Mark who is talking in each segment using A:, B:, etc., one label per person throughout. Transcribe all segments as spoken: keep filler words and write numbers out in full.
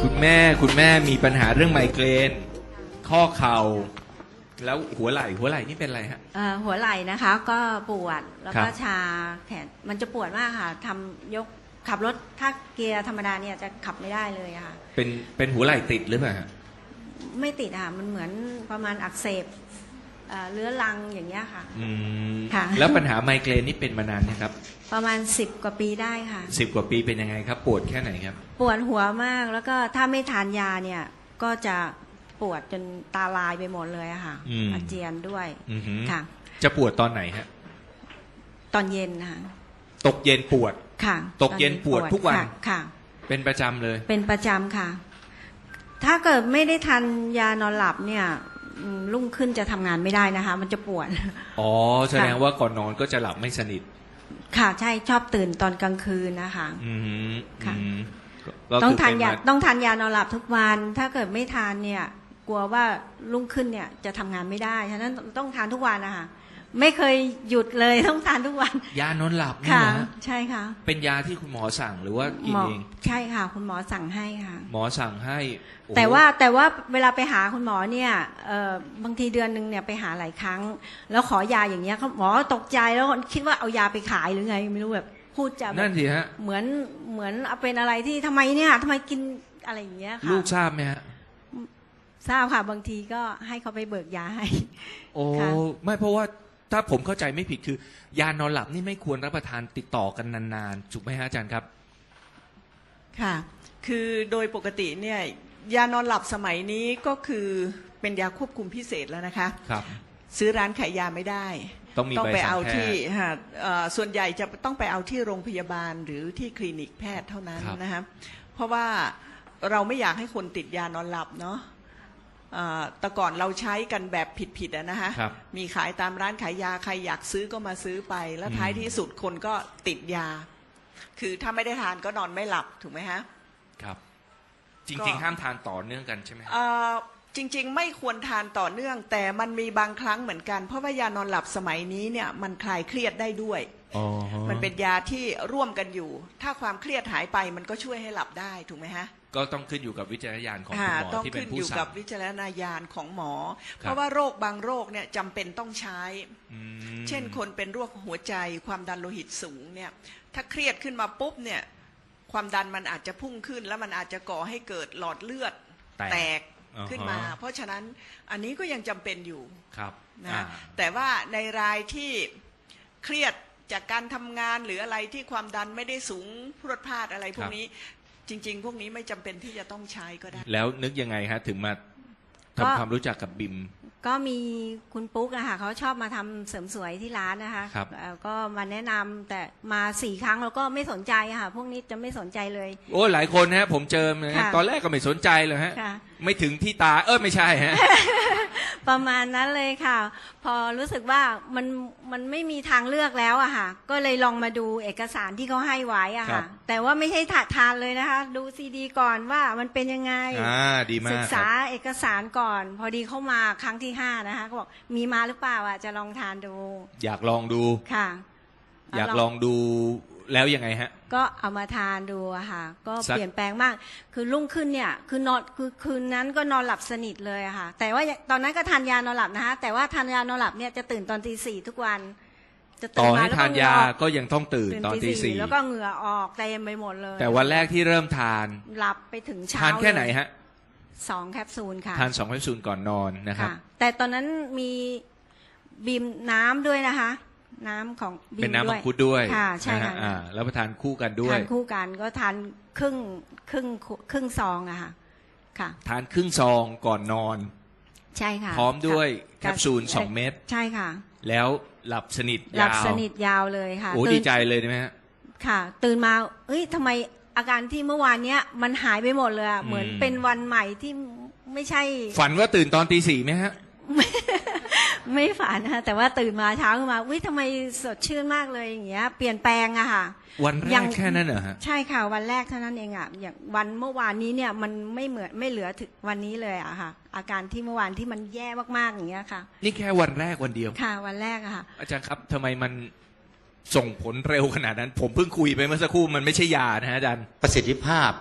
A: คุณแม่คุณแม่มีปัญหาเรื่องไมเกรนข้อเข่าแล้วหัวไหล่หัวไหล่นี่เป็นอะไรฮะ
B: เอ่อหัวไหล่นะคะก็ปวดแล้วก็
A: ครับ
B: ชาแขนมันจะปวดมากค่ะทำยกขับรถถ้าเกียร์ธรรมดาเนี่ยจะขับไม่ได้เลยอะค่ะ
A: เป็นเป็นหัวไหล่ติดหรือเปล่าฮะ
B: ไม่ติดอะค่ะมันเหมือนประมาณอักเสบเอ่อเรื้อรังอย่างเงี้ยค่ะ
A: อืม
B: ค่ะ
A: แล้วปัญหาไมเกรนนี่เป็นมานานนะครับ
B: ประมาณสิบกว่าปีได้ค่ะ
A: สิบกว่าปีเป็นยังไงครับ ปวดแค่ไหนครับ
B: ปวดหัวมากแล้วก็ถ้าไม่ทานยาเนี่ยก็จะปวดจนตาลายไปหมดเลยอะค่ะ
A: อืม
B: อาเจียนด้วย
A: อือหือ
B: ค่ะ
A: จะปวดตอนไหนฮะ
B: ตอนเย็นนะคะ
A: ตกเย็นปวด
B: ค่ะ
A: ตกเย็นปวดทุกวัน
B: ค่ะค่ะ
A: เป็นประจำเลย
B: เป็นประจำค่ะ ถ้าเกิดไม่ได้ทานยานอนหลับเนี่ยอืมรุ่งขึ้นจะทำงานไม่ได้นะคะ มันจะปวด
A: อ๋อแสดงว่าก่อนนอนก็จะหลับไม่สนิท
B: ค่ะใช่ชอบตื่นตอนกลางคืนนะคะ
A: อืม
B: ค่ะ
A: อืมก็
B: ต้อง
A: คือ
B: ทานยา
A: เป็ม
B: ต้องทานยานอนหลับทุกวัน ถ้าเกิดไม่ทานเนี่ย กลัวว่ารุ่งขึ้นเนี่ยจะทำงานไม่ได้ฉะนั้นต้องทานทุกวันนะคะไม่เคยหยุดเลยต้องทานทุกวัน
A: ยานอนหลับนี่
B: ค่ะ
A: เหรอฮะ
B: ใช่ค่ะ
A: เป็นยาที่คุณหมอสั่งหรือว่ากิน
B: หมอ
A: เอง
B: ใช่ค่ะ คุณหมอสั่งให้ค่ะ
A: หมอสั่งให้โอ้โห
B: แต่ว่าแต่ว่าเวลาไปหาคุณหมอเนี่ยเอ่อบางทีเดือนหนึ่งเนี่ยไปหาหลายครั้ง แล้วขอยาอย่างเงี้ยเขาหมอตกใจแล้วคิดว่าเอายาไปขายหรือไงไม่รู้แบบพูดจะแบ
A: นั่
B: บ
A: นสิฮะ
B: เหมือนเหมือนเอาเป็นอะไรที่ทำไมเนี่ยทำไมกินอะไรอย่างเงี้ยค่ะ
A: ลูกทราบไหมฮะ
B: ทราบค่ะบางทีก็ให้เขาไปเบิกยาให้
A: โอ้
B: ค่ะ
A: ไม่เพราะว่าถ้าผมเข้าใจไม่ผิดคือ ยานอนหลับนี่ไม่ควรรับประทานติดต่อกันนานๆถูกไหมฮะอาจารย์ครับ
C: ค่ะ คือโดยปกติเนี่ยยานอนหลับสมัยนี้ก็คือเป็นยาควบคุมพิเศษแล้วนะคะ
A: ครับ
C: ซื้อร้านขายยาไม่ได้
A: ต้องมี
C: ต้อง
A: ใบ
C: ไป
A: สั่
C: เอา
A: งแพ
C: ที่
A: ทย์
C: ฮะเอ่อส่วนใหญ่จะต้องไปเอาที่โรงพยาบาลหรือที่คลินิกแพทย์เท่านั้น
A: ครับ
C: นะคะเพราะว่าเราไม่อยากให้คนติดยานอนหลับเนาะเอ่อแต่ก่อนเราใช้กันแบบผิดๆอะนะคะ
A: ครับ
C: มีขายตามร้านขายยาใครอยากซื้อก็มาซื้อไป แล้วท้ายที่สุดคนก็ติดยา คือถ้าไม่ได้ทานก็นอนไม่หลับถูกไหมฮะ
A: ครับ จ
C: ก็
A: ริงๆ ห้ามทานต่อเนื่องกันใช่ไหมฮะ
C: เอ่อจริงๆ ไม่ควรทานต่อเนื่อง แต่มันมีบางครั้งเหมือนกัน เพราะว่ายานอนหลับสมัยนี้เนี่ยมันคลายเครียดได้ด้วย
A: อ๋อ
C: มันเป็นยาที่ร่วมกันอยู่ ถ้าความเครียดหายไปมันก็ช่วยให้หลับได้ถูกไหมฮะ
A: ก็ต้องขึ้นอยู่กับวิจารณญาณของคุณ
C: อ่า
A: หมอ
C: ต้อง
A: ที่เป็
C: ขึ้
A: น
C: น
A: ผู้
C: อยู่
A: สั่
C: กับ
A: ง
C: วิจารณญาณของหมอ
A: ครับ
C: เพราะว่าโรคบางโรคเนี่ยจำเป็นต้องใช้
A: อืม
C: เช่นคนเป็นโรคหัวใจความดันโลหิตสูงเนี่ยถ้าเครียดขึ้นมาปุ๊บเนี่ยความดันมันอาจจะพุ่งขึ้น แล้วมันอาจจะก่อให้เกิดหลอดเลือด
A: แตก
C: แตก
A: อ่าฮะ
C: ขึ้นมา เพราะฉะนั้นอันนี้ก็ยังจำเป็นอยู่
A: ครับ
C: นะ
A: อ่า
C: แต่ว่าในรายที่เครียดจากการทำงานหรืออะไรที่ความดันไม่ได้สูงพรวดพลาดอะไรพวกนี้จริง ๆ พวกนี้ไม่จำเป็นที่จะต้องใช้ก็ได้
A: แล้วนึกยังไงฮะถึงมา
B: ก็
A: ทำความรู้จักกับบิม
B: ก็มีคุณปุ๊กอะค่ะเขาชอบมาทำเสริมสวยที่ร้านนะคะ
A: ครับ
B: เอ่อก็มาแนะนำแต่มาสี่ครั้งเราก็ไม่สนใจอะค่ะพวกนี้จะไม่สนใจเลย
A: โอ้หลายคนฮะผมเจอนะฮะ
B: ค่ะ
A: ตอนแรกก็ไม่สนใจเลยฮะ
B: ค่ะ
A: ไม่ถึงที่ตาเออไม่ใช่ฮะ
B: ประมาณนั้นเลยค่ะ พอรู้สึกว่ามันมันไม่มีทางเลือกแล้วอะค่ะ ก็เลยลองมาดูเอกสารที่เขาให้ไว้อะ
A: ครั
B: ค่ะ
A: บ
B: แต่ว่าไม่ใช่ถาทานเลยนะคะ ดูซีดีก่อนว่ามันเป็นยังไง
A: อ่าดีมา
B: ศึ
A: ก
B: ก
A: ค
B: ษา
A: รับ
B: เอกสารก่อน พอดีเข้ามาครั้งที่ห้านะคะก็บอกมีมาหรือเปล่าอะจะลองทานดู
A: อยากลองดู
B: ค่ะ
A: อยากลองดูแล้วยังไงฮะ
B: ก็เอามาทานดูอะค่ะ ก็
A: สัก
B: เปลี่ยนแปลงมาก คือรุ่งขึ้นเนี่ยคือนอนคือคืนนั้นก็นอนหลับสนิทเลยอะค่ะ แต่ว่าตอนนั้นก็ทานยานอนหลับนะคะแต่ว่าทานยานอนหลับเนี่ยจะตื่นตอนตีสี่ทุกวัน จะ
A: ต่
B: ตื่
A: อน
B: มา
A: ให้
B: แล้ว
A: ทาน
B: เหงื่
A: ยา
B: อออก
A: ก็ยังต้องตื่นตอนตีสี่
B: แล้วก็เหงื่อออกเต็มไปหมดเลย
A: แต่วันแรกที่เริ่มทาน
B: หลับไปถึงเช้า
A: ทานแค่ไหน
B: เลย
A: ฮะ
B: สองแคปซูลค่ะ
A: ทานสองแคปซูลก่อนนอนนะครับ
B: ค่ะ แต่ตอนนั้นมีบีมน้ำด้วยนะคะ น้ำของบีม
A: เป็นน้ำ
B: ด้
A: มั
B: วย
A: งคุดด้วย
B: ค่ะใช่
A: นฮ
B: ค่ะ
A: อ่าแล้วประทานคู่กันด้วย
B: ทานคู่กันก็ทานครึ่งครึ่งครึ่งซองอะค่ะ ค่ะ
A: ทานครึ่งซองก่อนนอน
B: ใช่ค่ะ
A: พร้อมด้วย
B: ะ
A: แคปซูลสองเม็ด
B: ใช่ค่ะ
A: แล้วหลับสนิท
B: หลั
A: ยา
B: บ
A: ว
B: สนิทยาวเลยค่ะ
A: โอ้
B: ตื่น
A: ดีใจเลยนะฮะ
B: ค่ะ ตื่นมาเอ้ยทำไมอาการที่เมื่อวานเนี้ยมันหายไปหมดเลยอะ
A: อืม
B: เหมือนเป็นวันใหม่ที่ไม่ใช่
A: ฝันว่าตื่นตอนตีสี่ไหมฮะ
B: ไม่ฝันนะคะแต่ว่าตื่นมาเช้าขึ้นมาวิทำไมสดชื่นมากเลยอย่างเงี้ย เปลี่ยนแปลงอะค่ะ
A: วันแร
B: ยั
A: ก
B: ง
A: แค่นั้นเหรอฮะ
B: ใช่ค่ะวันแรกเท่านั้นเองอะอย่างวันเมื่อวานนี้เนี่ยมันไม่เหมือนไม่เหลือถึงวันนี้เลยอะค่ะ อาการที่เมื่อวานที่มันแย่มากๆอย่างเงี้ยค่ะ
A: นี่แค่วันแรกวันเดียว
B: ค่ะวันแรกอะค่ะ
A: อาจารย์ครับทำไมมันส่งผลเร็วขนาดนั้น ผมเพิ่งคุยไปเมื่อสักครู่มันไม่ใช่ยานะฮะอาจารย์
D: ประสิทธิภาพ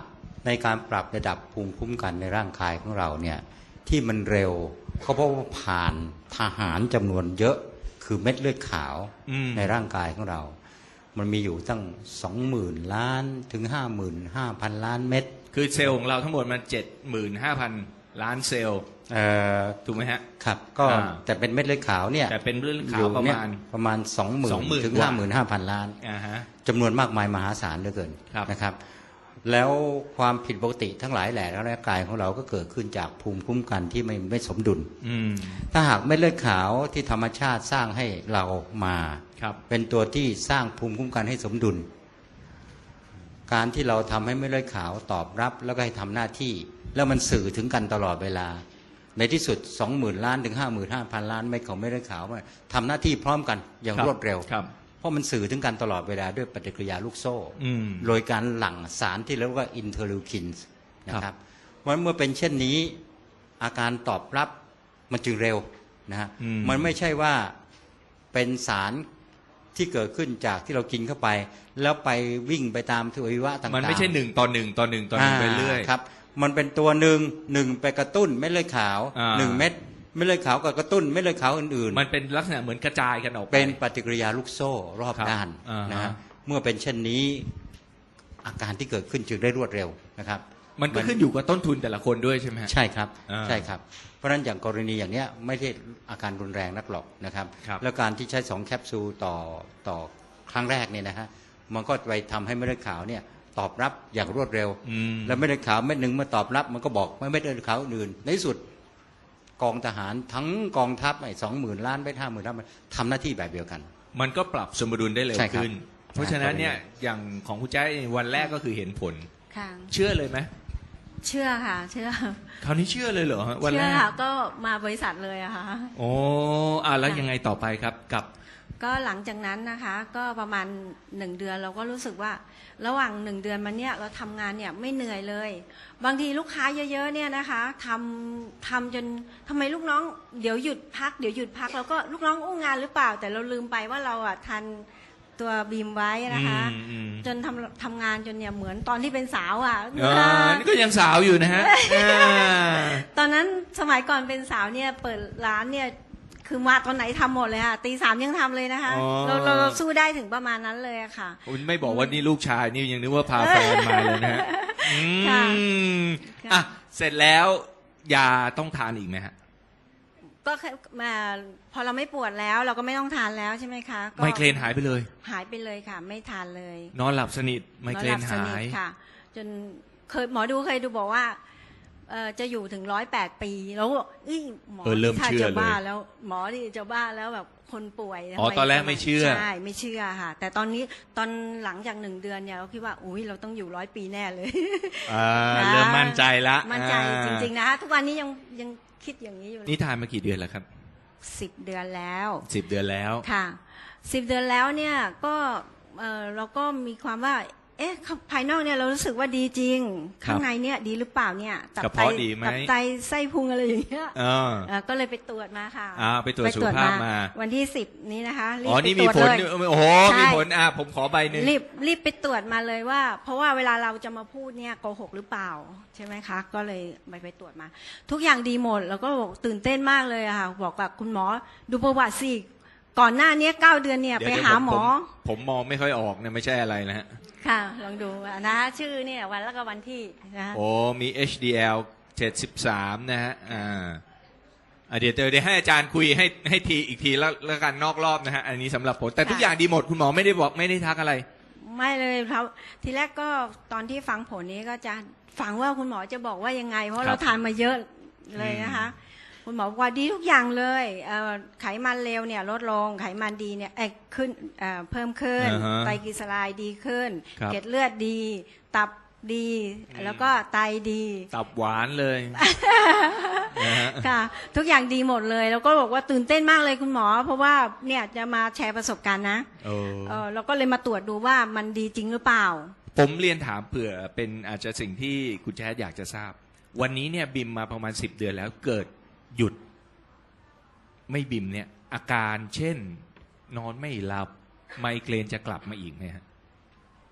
D: ในการปรับระดับภูมิคุ้มกันในร่างกายของเราเนี่ยที่มันเร็วก็เพราะว่าผ่านทหารจำนวนเยอะคือเม็ดเลือดขาวในร่างกายของเรามันมีอยู่ตั้งสองหมื่นล้านถึงห้าหมื่นห้าพันล้านเม็ด
A: คือเซลล์ของเราทั้งหมดมันเจ็ดหมื่นห้าพันล้านเซลล์ถูกไหมฮะ
D: ครับก็แต่เป็นเม็ดเลือดขาวเนี่ย
A: แต่เป็นเลือดขาวประมาณ
D: ประมาณสองหมื่นถึงห้าหมื่นห้าพันล้านจำนวนมากมายมหาศาลเหลือเกินนะครับแล้วความผิดปกติทั้งหลายแหล่ในร่างกายของเราก็เกิดขึ้นจากภูมิคุ้มกันที่ไม่ไม่สมดุลถ้าหากเม็ดเลือดขาวที่ธรรมชาติสร้างให้เรามาเป็นตัวที่สร้างภูมิคุ้มกันให้สมดุลการที่เราทำให้เม็ดเลือดขาวตอบรับแล้วก็ให้ทำหน้าที่แล้วมันสื่อถึงกันตลอดเวลาในที่สุด สองหมื่น ล้านถึง ห้าหมื่นห้าพัน ล้านเม็ดของเม็ดเลือดขาวทำหน้าที่พร้อมกันอย่างรวดเร็วเพราะมันสื่อถึงกันตลอดเวลาด้วยปฏิกิริยาลูกโซ่โดยการหลั่งสารที่เรียกว่าอินเทอร์ลิวคินส์นะครับเพราะเมื่อเป็นเช่นนี้อาการตอบรับมันจึงเร็วนะฮะมันไม่ใช่ว่าเป็นสารที่เกิดขึ้นจากที่เรากินเข้าไปแล้วไปวิ่งไปตามทวัยวะต่างๆ
A: มันไม่ใช่หนึ่งต่อหนึ่งต่อหนึ่งต่อหนึ่งไปเรื่อย
D: ครับมันเป็นตัวหนึ่งหนึ่งไปกระตุ้นเม็ดเลือดขาวหนึ่งเม็ดเม็ดเลือดขาวกับกระตุ้นเม็ดเลือดขาวอื่น
A: ๆมันเป็นลักษณะเหมือนกระจายกันออกไป
D: เป็นปฏิกิริยาลูกโซ่รอบด้านนะฮะเมื่อเป็นเช่นนี้อาการที่เกิดขึ้นจึงได้รวดเร็วนะครับ
A: มันก็ขึ้นอยู่กับต้นทุนแต่ละคนด้วยใช่ไหม
D: ใช่ครับใช่ครับเพราะฉะนั้นอย่างกรณีอย่างเนี้ยไม่ใช่อาการรุนแรงนักหรอกนะครับแล้วการที่ใช้สองแคปซูลต่อต่อครั้งแรกเนี่ยนะฮะมันก็ไปทำให้เม็ดเลือดขาวเนี่ยตอบรับอย่างรวดเร็วแล้วเม็ดเลือดขาวเม็ดหนึ่งเมื่อตอบรับมันก็บอกไม่เม็ดเลือดขาวอื่นในที่สุดกองทหารทั้งกองทัพไอ้สองหมื่นล้านไปห้าหมื่นล้านมันทำหน้าที่แบบเดียวกัน
A: มันก็ปรับสมดุลได้เร็วขึ้นเพราะฉะนั้นเนี่ยอย่างของคุณแจ๊ควันแรกก็คือเห็นผลเชื่อเลยไหม
B: เชื่อค่ะเชื่อ
A: คราวนี้เชื่อเลยเหรอวันแรก
B: เชื่อค่ะก็มาบริษัทเลยอะค่ะ
A: โอ้อ่ะแล้วยังไงต่อไปครับกับ
B: ก็หลังจากนั้นนะคะก็ประมาณหนึ่งเดือนเราก็รู้สึกว่าระหว่างหนึ่งเดือนมาเนี้ยเราทำงานเนี่ยไม่เหนื่อยเลยบางทีลูกค้าเยอะๆเนี่ยนะคะทำทำจนทำไมลูกน้องเดี๋ยวหยุดพักเดี๋ยวหยุดพักเราก็ลูกน้องอู้งานหรือเปล่าแต่เราลืมไปว่าเราอ่ะทันตัวบีมไว้นะคะจนทำทำงานจนเนี่ยเหมือนตอนที่เป็นสาวอ่ะ
A: นี่ก็ยังสาวอยู่นะฮะ
B: ตอนนั้นสมัยก่อนเป็นสาวเนี่ยเปิดร้านเนี่ยคือมาตอนไหนทำหมดเลยค่ะตีสามยังทำเลยนะคะเราเราสู้ได้ถึงประมาณนั้นเลยค่ะ
A: คุณไม่บอกว่านี่ลูกชายนี่ยังนึกว่าพาแฟนมาเลยนะฮะอ่ะเสร็จแล้วยาต้องทานอีกไหมฮะ
B: ก็มาพอเราไม่ปวดแล้วเราก็ไม่ต้องทานแล้วใช่ไหมคะ
A: ไมเกรนหายไปเลย
B: หายไปเลยค่ะไม่ทานเลย
A: นอนหลับสนิทไมเกรนหาย
B: ค่ะจนเคยหมอดูเคยดูบอกว่าจะอยู่ถึงร้อยแปดปีแล้วหมอถ้าจะบ้าแล้วหมอที่จะบ้าแล้วแบบคนป่วย
A: อ๋อตอนแรกไม่เชื่อ
B: ใช่ไม่เชื่อค่ะแต่ตอนนี้ตอนหลังจากหนึ่งเดือนเนี่ยเราคิดว่าอุ้ยเราต้องอยู่ร้อยปีแน่เลย
A: เริ่มมั่นใจละ
B: มั่นใจจริงๆนะคะทุกวันนี้ยังยังคิดอย่างนี้อยู่
A: นี่ทานมากี่เดือนแล้วครับ
B: สิบเดือนแล้ว
A: สิบเดือนแล้ว
B: ค่ะสิบเดือนแล้วเนี่ยก็เราก็มีความว่าเอ๊ะภายนอกเนี่ยเรารู้สึกว่าดีจริงข้างในเนี่ยดีหรือเปล่าเนี่ย
A: ตับไต
B: ตับไตไส้พุงอะไรอย่างเงี้ยก็เลยไปตรวจมาค่ะ
A: อ่าไปตรวจสุขภาพมา
B: วันที่สิบนี้นะคะ
A: อ๋อนี่มีผลโอ้โหมีผลอ่ะผมขอใบหนึ่ง
B: รีบรีบไปตรวจมาเลยว่าเพราะว่าเวลาเราจะมาพูดเนี่ยโกหกหรือเปล่าใช่ไหมคะก็เลยไปไปตรวจมาทุกอย่างดีหมดแล้วก็บอกตื่นเต้นมากเลยค่ะบอกกับคุณหมอดูประวัติสิก่อนหน้านี้เก้าเดือนเนี่ยไปหาหมอ
A: ผมมองไม่ค่อยออกเนี่ยไม่ใช่อะไรนะฮะ
B: ค่ะลองดูนะชื่อเนี่ยวันแล้วก็วันที่นะ
A: โอ้มี เอช ดี แอล เจ็ดสิบสามนะฮะอ่าเดี๋ยวเดี๋ยวให้อาจารย์คุยให้ให้ทีอีกทีแล้วแล้วกันนอกรอบนะฮะอันนี้สำหรับผลแต่ทุกอย่างดีหมดคุณหมอไม่ได้บอกไม่ได้ทักอะไร
B: ไม่เลยครับทีแรกก็ตอนที่ฟังผลนี้ก็จะฟังว่าคุณหมอจะบอกว่ายังไงเพราะเราทานมาเยอะเลยนะคะคุณหมอบอกว่าดีทุกอย่างเลยไขมันเลวเนี่ยลดลงไขมันดีเนี่ยขึ้นเพิ่มขึ้นไตรกลีเซอไรด์ดีขึ้นเกล็ดเลือดดีตับดีแล้วก็ไตดี
A: ตับหวานเลย
B: ค่ะทุกอย่างดีหมดเลยแล้วก็บอกว่าตื่นเต้นมากเลยคุณหมอเพราะว่าเนี่ยจะมาแชร์ประสบการณ์นะเราก็เลยมาตรวจดูว่ามันดีจริงหรือเปล่า
A: ผมเรียนถามเผื่อเป็นอาจจะสิ่งที่คุณแจ๊ดอยากจะทราบวันนี้เนี่ยบิมมาประมาณสิบเดือนแล้วเกิดหยุดไม่บิมเนี่ยอาการเช่นนอนไม่หลับไมเกรนจะกลับมาอีกไหมฮะ
C: เอ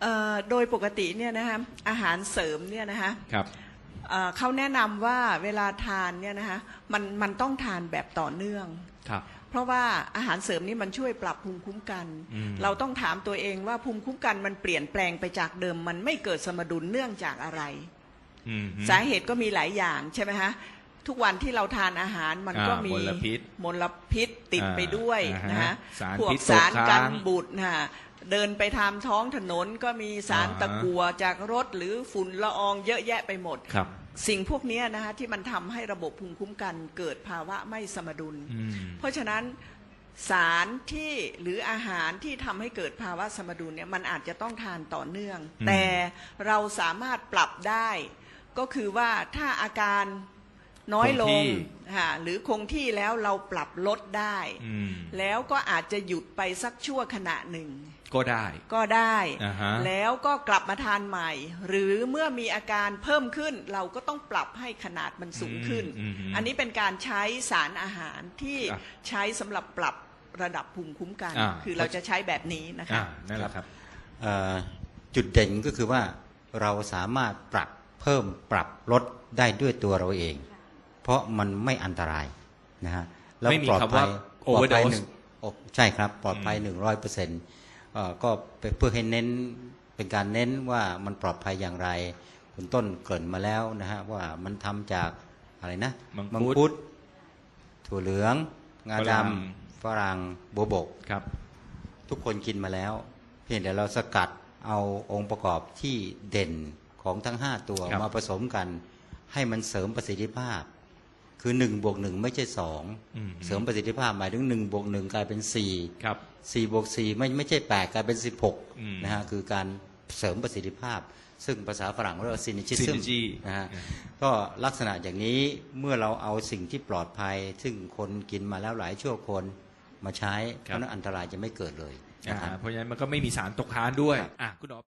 C: เอ่อโดยปกติเนี่ยนะคะอาหารเสริมเนี่ยนะคะ
A: ครับ
C: เอ่อเขาแนะนำว่าเวลาทานเนี่ยนะคะมันมันต้องทานแบบต่อเนื่อง
A: ครับ
C: เพราะว่าอาหารเสริมนี่มันช่วยปรับภูมิคุ้มกัน
A: อืม
C: เราต้องถามตัวเองว่าภูมิคุ้มกันมันเปลี่ยนแปลงไปจากเดิม มันไม่เกิดสมดุลเนื่องจากอะไร
A: อืม
C: สาเหตุก็มีหลายอย่างใช่ไหมฮะทุกวันที่เราทานอาหารมันก็
A: อ่า
C: มี
A: มลพิษ
C: มลพิษติดไปด้วย
A: อ่า
C: นะฮะ
A: สาร
C: พวก
A: พิษตก
C: สารกัน
A: ค้าง
C: บูดนะฮะเดินไปทางท้องถนนก็มีสาร
A: อ่า
C: ตะกั่วจากรถหรือฝุ่นละอองเยอะแยะไปหมด
A: ครับ
C: สิ่งพวกนี้นะฮะที่มันทำให้ระบบภูมิคุ้มกันเกิดภาวะไม่สมดุล
A: อืม
C: เพราะฉะนั้นสารที่หรืออาหารที่ทำให้เกิดภาวะสมดุลเนี่ยมันอาจจะต้องทานต่อเนื่อง
A: อืม
C: แต่เราสามารถปรับได้ ก็คือว่าถ้าอาการน้อยล
A: คงที่
C: งค่ะหรือคงที่แล้วเราปรับลดได้
A: อืม
C: แล้วก็อาจจะหยุดไปสักชั่วขณะหนึ่ง
A: ก็ได้
C: ก็ได้
A: อ่าฮะ
C: แล้วก็กลับมาทานใหม่ หรือเมื่อมีอาการเพิ่มขึ้น เราก็ต้องปรับให้ขนาดมันสูงขึ้น
A: อืมอืม
C: อันนี้เป็นการใช้สารอาหารที่
A: ครับ
C: ใช้สำหรับปรับระดับภูมิคุ้มกัน
A: อ่า
C: คือเราจะใช้แบบนี้นะ
A: อ่า
C: คะ
A: นั่นแหละครับ
D: เอ่อจุดเด่นก็คือว่าเราสามารถปรับเพิ่มปรับลดได้ด้วยตัวเราเอง เพราะมันไม่อันตรายนะฮะแล้ว
A: ไม่มี
D: ปลอด
A: คำ
D: ภั
A: ว่าย
D: ปลอดภัย
A: overdose
D: หนึ่งโอ้ใช่ครับปลอดภัย
A: อืม
D: หนึ่งร้อยเปอร์เซ็นต์ก็เพื่อให้เน้นเป็นการเน้นว่ามันปลอดภัยอย่างไร คุณต้นเกริ่นมาแล้วนะฮะว่ามันทำจากอะไรนะ
A: มังคุด
D: ดถั่วเหลือง งา
A: ฝ
D: ด
A: รั่ง
D: ำฝรั่งโบวบก
A: ครับ
D: ทุกคนกินมาแล้ว เพียงแต่เราสกัดเอาองค์ประกอบที่เด่นของทั้งห้าตัว
A: ครับ
D: มาผสมกัน ให้มันเสริมประสิทธิภาพ คือหนึ่งบวกหนึ่งไม่ใช่สอง
A: อืม
D: เสริมประสิทธิภาพหมายถึงหนึ่งบวกหนึ่งกลายเป็นสี่
A: ครับ
D: สี่บวกสี่ไม่ไม่ใช่แปดกลายเป็นสิบหก
A: อืม
D: นะฮะคือการเสริมประสิทธิภาพ ซึ่งภาษาฝรั่งเรียกว่า synergism
A: synergy
D: นะฮะ
A: อืม
D: ก็ลักษณะอย่างนี้เมื่อเราเอาสิ่งที่ปลอดภัย ซึ่งคนกินมาแล้วหลายชั่วคนมาใช้เพราะฉะนั้นอันตรายจะไม่เกิดเลย
A: อ่า
D: นะครับ
A: เพราะฉะนั้นมันก็ไม่มีสารตกค้างด้วย
D: ครับ
A: อ่ะคุณหมอ